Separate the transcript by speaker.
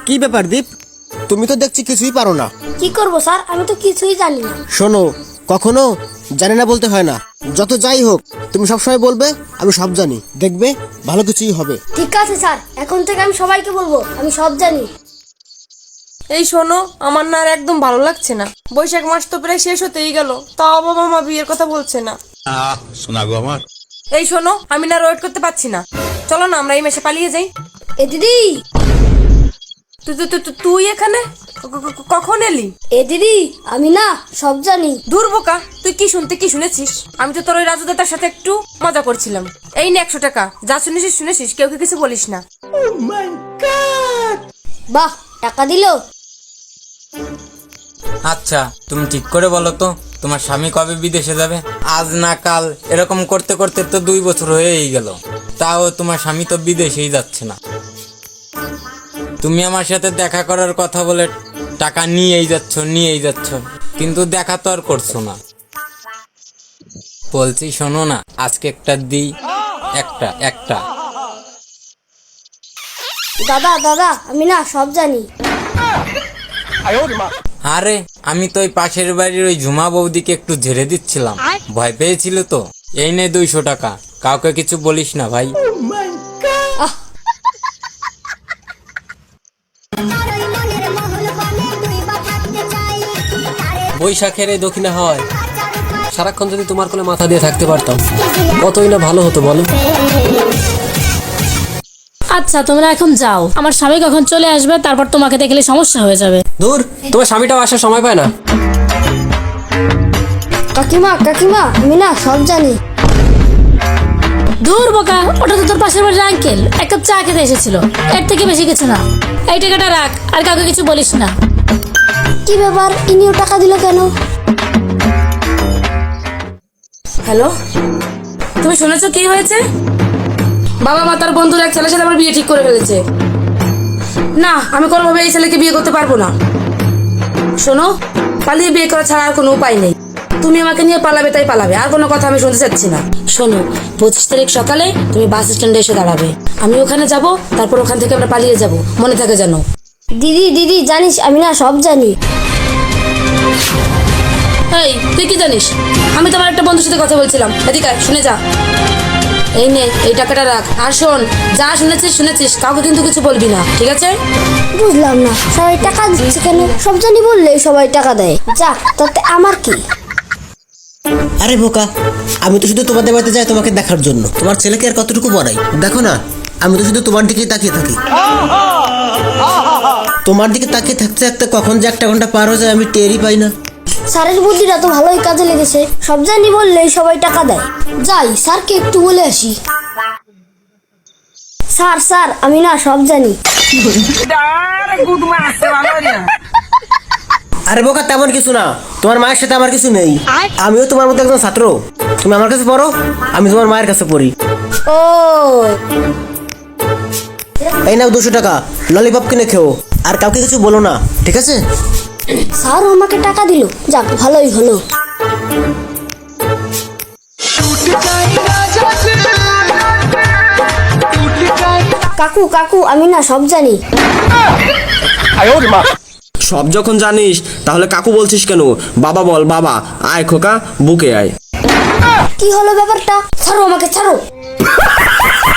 Speaker 1: কি ব্যাপার দীপ, তুমি তো দেখছি কিছুই পারো না।
Speaker 2: কি করব স্যার, আমি তো কিছুই জানি না।
Speaker 1: শোনো, কখনো জানি না বলতে হয় না। যত যাই হোক তুমি সবসময় বলবে আমি সব জানি, দেখবে ভালো কিছুই হবে।
Speaker 2: ঠিক আছে স্যার, এখন থেকে আমি সবাইকে বলবো আমি সব জানি।
Speaker 3: এই শোনো, আমার না আর একদম ভালো লাগছে না। বৈশাখ মাস তো প্রায় শেষ হতেই গেল, তাও বাবা মা বিয়ের কথা বলছে না।
Speaker 4: শোনা গো আমার।
Speaker 3: এই শোনো, আমি না ওয়েট করতে পারছি না, চলো না আমরা এই মাসে পালিয়ে যাই।
Speaker 2: এ দিদি,
Speaker 3: তুই এখানে কখন এলি?
Speaker 2: এ দিদি, আমি না সব জানি।
Speaker 3: দূর বোকা, তুই কি শুনেছিস? আমি তো তোর ওই রাজু দাদার সাথে একটু মজা করছিলাম। এই নে 100 টাকা, যা শুনেছিস কেউ কিছু বলিস না।
Speaker 2: বাহ, টাকা দিল।
Speaker 5: আচ্ছা তুমি ঠিক করে বলো তো, তোমার স্বামী কবে বিদেশে যাবে? আজ না কাল, এরকম করতে করতে তো 2 বছর হয়েই গেল, তাও তোমার স্বামী তো বিদেশেই যাচ্ছে না। তুমি আমার সাথে দেখা করার কথা বলে টাকা নিয়েই যাচ্ছ, কিন্তু দেখা তো আর করছো না। বলছি শোনো না, আজকে একটা দিই, একটা।
Speaker 2: দাদা দাদা, আমি না সব জানি।
Speaker 5: আরে আমি তো ওই পাশের বাড়ির ওই ঝুমা বৌদিকে একটু ঝেড়ে দিচ্ছিলাম, ভয় পেয়েছিল তো। এই নে 200 টাকা, কাউকে কিছু বলিস না ভাই।
Speaker 6: বৈশাখের এই দক্ষিণা হয়, সারাক্ষণ যদি তোমার কোলে মাথা দিয়ে থাকতে পারতাম কতই না ভালো হতো বলো।
Speaker 7: আচ্ছা তোমরা এখন যাও, আমার স্বামী কখন চলে আসবে তারপর তোমাকে দেখলে সমস্যা হয়ে যাবে।
Speaker 6: দূর, তোমার স্বামীটাও আসার সময় পায় না।
Speaker 2: কাকিমা কাকিমা, আমি না সব জানি।
Speaker 7: দূর বোকা, ওটা তো তোর পাশের বাড়ির আঙ্কেল, 1 কাপ চা খেতে এসেছিল, এর থেকে বেশি কিছু না। এই টাকাটা রাখ, আর কাউকে কিছু বলিস না।
Speaker 2: কি ব্যাপার, ইনিও টাকা দিল কেন?
Speaker 3: হ্যালো, তুমি শুনেছো কি হয়েছে? বাবা মা তার বন্ধুর এক ছেলের সাথে আমার বিয়ে ঠিক করে ফেলেছে। না, আমি কোনোভাবে এই ছেলেকে বিয়ে করতে পারবো না। শোনো, পালিয়ে বিয়ে করা ছাড়া আর কোনো উপায় নেই। তুমি আমাকে নিয়ে পালাবে তাই পালাবে, আর কোনো কথা আমি শুনতে চাচ্ছি না। শোনো, 25 তারিখ সকালে তুমি বাস স্ট্যান্ডে এসে দাঁড়াবে, আমি ওখানে যাব, তারপর ওখান থেকে আমরা পালিয়ে যাব, মনে থাকে যেন।
Speaker 2: দিদি দিদি, জানিস আমি না সব জানি।
Speaker 3: এই তুই কি জানিস? আমি তোমার একটা বন্ধুর সাথে কথা বলছিলাম, এদিকে আয়, শুনে যা। এই নে, এই টাকাটা রাখ, আর শোন, যা শুনেছিস কাউকে কিন্তু কিছু বলবি না, ঠিক আছে?
Speaker 2: বুঝলাম না, সবাই টাকা দিচ্ছে কেন? সব জানি বললেই সবাই টাকা দেয়। যা, তাতে আমার কি?
Speaker 1: আরে বোকা, আমি তো শুধু তোমাদের বাড়িতে যাই তোমাকে দেখার জন্য। তোমার ছেলেকে আর কতটুকু বড়াই দেখো না, আমি তো শুধু তোমার দিকেই তাকিয়ে থাকি। তোমার দিকে তাকিয়ে থাকতে থাকতে কখন যে 1 ঘন্টা পার হয়ে যায় আমি টেরই পাই না।
Speaker 2: স্যারের বুদ্ধিটা তো ভালোই কাজে লেগেছে, সব জানি বললেই সবাই টাকা দেয়। যাই, স্যারকে একটু বলে আসি। স্যার, আমি না সব জানি।
Speaker 1: আরে বোকা, তেমন কিছু না, তোমার মায়ের সাথে আমার কিছু নেই। আমিও তোমার মতো একজন ছাত্র, তুমি আমার কাছে পড়ো, আমি তোমার মায়ের কাছে পড়ি।
Speaker 2: ও,
Speaker 1: এই নাও 200 টাকা, ললিপপ কিনে খেও, আর কাউকে কিছু বলো না, ঠিক আছে?
Speaker 2: স্যার আমাকে টাকা দিল, যাক ভালোই হলো। কাকু, আমি না সব জানি।
Speaker 8: সব যখন জানিস তাহলে কাকু বলছিস কেন? বাবা বল, বাবা। আয় খোকা, বুকে আয়।
Speaker 2: কি হলো ব্যাপারটা? ছাড়ো আমাকে, ছাড়ো।